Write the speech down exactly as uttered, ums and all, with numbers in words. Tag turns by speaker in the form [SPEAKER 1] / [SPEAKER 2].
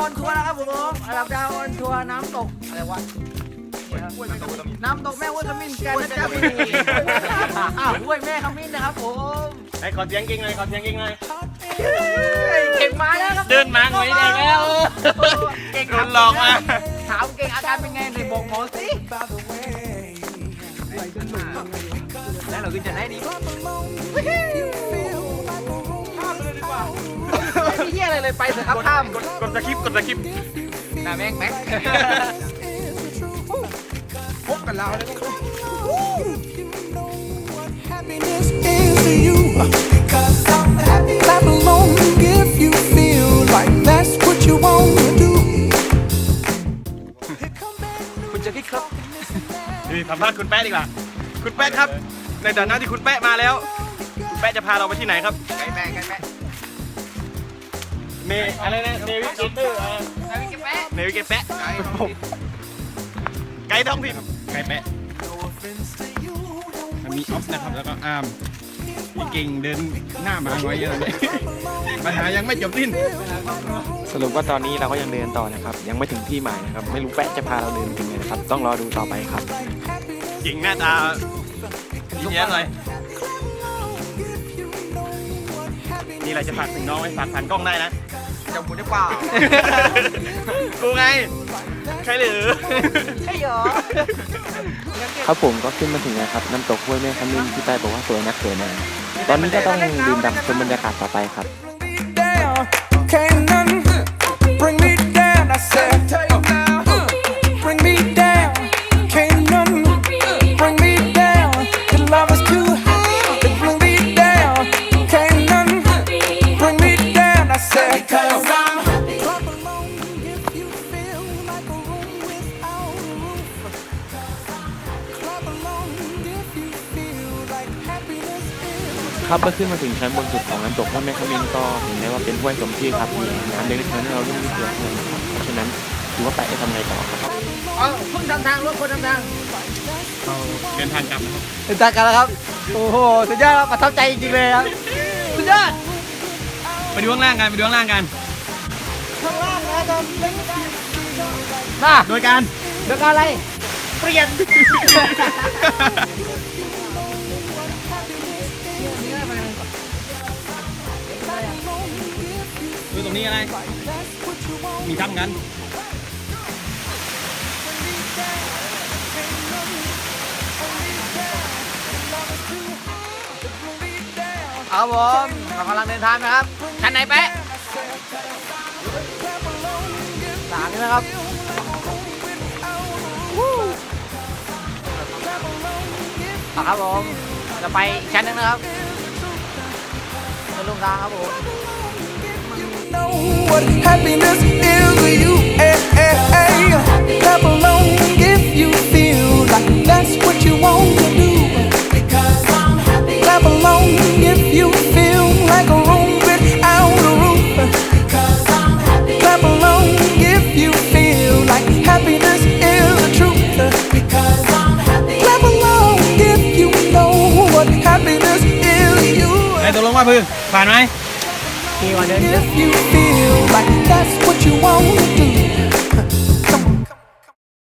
[SPEAKER 1] อนทัวร์นะครับผมระดับดาวออนทัวร์น้ำตกอะไรวะน้ำตกแม่ห้วยขมิ้นกันนะจ๊ะพี่อ้าวห้วยแม่ขมิ้นนะครับผม
[SPEAKER 2] ไอ้ขอเสียงเก่งหน่อยขอเสียงเก่งหน่อย
[SPEAKER 1] เก่งมาแล้วครับ
[SPEAKER 2] เดินมาหน่อยได้แล้ว
[SPEAKER 1] เก่ง
[SPEAKER 2] โดนหลอกมา
[SPEAKER 1] ถามเก่งอาการเป็นไงในบอกหมอสิแล้วเราขึ้นจะได้ดีไม่มีเหี้ยอะไรเลยไปเถอะครับข้าม
[SPEAKER 2] กดกดสคริปต์กดสคริปต์
[SPEAKER 1] น่าแม็กแม็กพบกันแล้วนะ
[SPEAKER 3] Happiness is you. Clap along if you feel like that's what you want to do.
[SPEAKER 1] คุณจะคิดครับ
[SPEAKER 2] นี่สัมภาษณ์คุณแป๊ะดีกว่า คุณแป๊ะครับ ในฐานะที่คุณแป๊ะมาแล้ว คุณแป๊ะจะพาเราไปที่ไหนครับ
[SPEAKER 1] ไก่แม่ไก่แม่
[SPEAKER 2] เนอะไรนะเนวิเกเตอร์
[SPEAKER 1] ไก่แม่
[SPEAKER 2] เนวิเกแป๊ะไกด์ท้องถิ่นไกด์แป๊ะมีออฟนะครับแล้วก็อาร์มมีเก่งเดินหน้ามาหน่อยอะไรปัญหายังไม่จบสิ้น
[SPEAKER 4] สรุปว่าตอนนี้เราก็ยังเดินต่อนะครับ ยังไม่ถึงที่หมายนะครับ ไม่รู้แปะจะพาเราเดินถึงไหนนะครับ ต้องรอดูต่อไปครับ
[SPEAKER 2] เก่งหน้าตายิ้มแย้มเลยนี่อะไรจะฝากถึงน้องไหมฝากผ่านกล้องได้นะ
[SPEAKER 1] จะหมุนได้เปล่า
[SPEAKER 2] กูไง ใครหรือ
[SPEAKER 1] ใช่เหรอ
[SPEAKER 4] ครับผมก็ขึ้นมาถึงแล้วครับน้ำตกห้วยแม่ขมิ้นที่ใต้บอกว่าสวยนักสวยนาตอนนี้ก็ต้องดื่มด่ำชมบรรยากาศต่อไปครับ
[SPEAKER 3] Down, can't none bring me down. I said, bring me down, can't none bring me down. The love is too high to bring me down. Can't none bring me down. I said, cause I'm happy. Clap along if you feel like a room without a roof. Clap along if you feel like happiness is.
[SPEAKER 4] ครับเมื่อขึ้นมาถึงชั้นบนสุดของน้ำตกห้วยแม่ขมิ้นก็เห็นได้ว่าเป็นห้วยสมชื่อครับมีน้ำเล็กๆให้เราเล่นนิดเดียวเท่านั้นครับเพราะฉะนั้นถือว่าแปะจะทำไงต่อครับ
[SPEAKER 1] เอาเพิ่งทำทางรถคนทำทาง
[SPEAKER 2] เราเดินทางกลับนะครับ
[SPEAKER 1] เดินทางกันแล้วครับ โอ้โห สุดยอดครับประทับใจจริงๆเลยครับ สุดยอด
[SPEAKER 2] ไปดูข้างล่างกันไปดูข้างล่างกัน
[SPEAKER 1] มา
[SPEAKER 2] โดยการ
[SPEAKER 1] เรื่องอะไร เปลี่ยน
[SPEAKER 2] ดูตรงนี้อะไร มีถ้ำกัน
[SPEAKER 1] ครับผมเรากำลังเดินทางนะครับชั้นไหนแป๊ะสามนี่นะครับอ่ะครับผมจะไปอีกชั้นหนึงนะครับจะลงทางครับผม
[SPEAKER 3] Know what happiness is to you. Hey, hey, hey. Clap along if you feel like that's what you want to do. Because I'm happy. Clap along if you feel like a room without a roof. Because I'm happy. Clap along if you feel like happiness is the truth. Because I'm happy. Clap along if you know what happiness is to you.
[SPEAKER 2] ไอ้ตกลงว่าพื้นผ่านไหม
[SPEAKER 1] ขี่วันเดิน
[SPEAKER 3] If you feel like that's what you want to do.